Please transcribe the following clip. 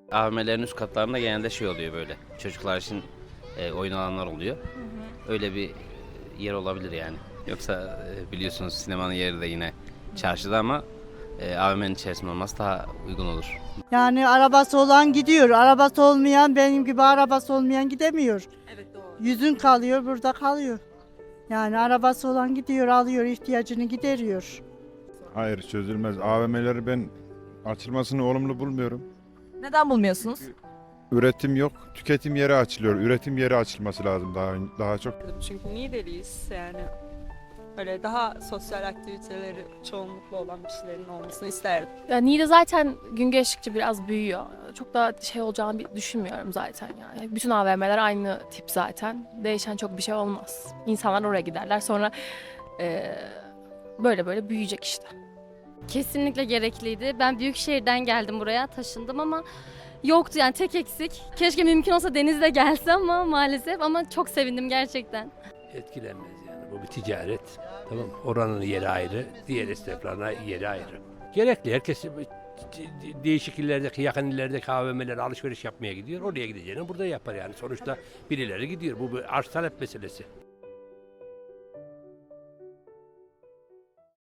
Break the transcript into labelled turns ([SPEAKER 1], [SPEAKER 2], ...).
[SPEAKER 1] AVM'lerin üst katlarında genelde şey oluyor böyle. Çocuklar için oyun alanlar oluyor. Öyle bir yer olabilir yani. Yoksa biliyorsunuz sinemanın yeri de yine çarşıda ama AVM'nin içerisinde olması daha uygun olur.
[SPEAKER 2] Yani arabası olan gidiyor, arabası olmayan benim gibi arabası olmayan gidemiyor.
[SPEAKER 3] Evet doğru.
[SPEAKER 2] Yüzün kalıyor, burada kalıyor. Yani arabası olan gidiyor, alıyor, ihtiyacını gideriyor.
[SPEAKER 4] Hayır, çözülmez. AVM'leri ben açılmasını olumlu bulmuyorum.
[SPEAKER 3] Neden bulmuyorsunuz?
[SPEAKER 4] Üretim yok, tüketim yeri açılıyor. Üretim yeri açılması lazım daha çok.
[SPEAKER 5] Çünkü Niğdeliyiz yani. Öyle daha sosyal aktiviteleri çoğunlukla olan bir şeylerin olmasını isterdim.
[SPEAKER 6] Ya Niğde zaten gün geçtikçe biraz büyüyor. Çok da şey olacağını düşünmüyorum zaten yani. Bütün AVM'ler aynı tip zaten. Değişen çok bir şey olmaz. İnsanlar oraya giderler sonra böyle böyle büyüyecek işte.
[SPEAKER 7] Kesinlikle gerekliydi. Ben büyük şehirden geldim buraya, taşındım ama yoktu yani tek eksik. Keşke mümkün olsa denizde gelse ama maalesef ama çok sevindim gerçekten.
[SPEAKER 8] Etkilenmez yani. Bu bir ticaret. Tamam mı? Oranın yeri ayrı, diğer esnaflarına yeri ayrı. Gerekli. Herkes değişik illerdeki, yakın illerdeki AVM'lere alışveriş yapmaya gidiyor. Oraya gideceğini burada yapar yani. Sonuçta birileri gidiyor. Bu bir arz talep meselesi.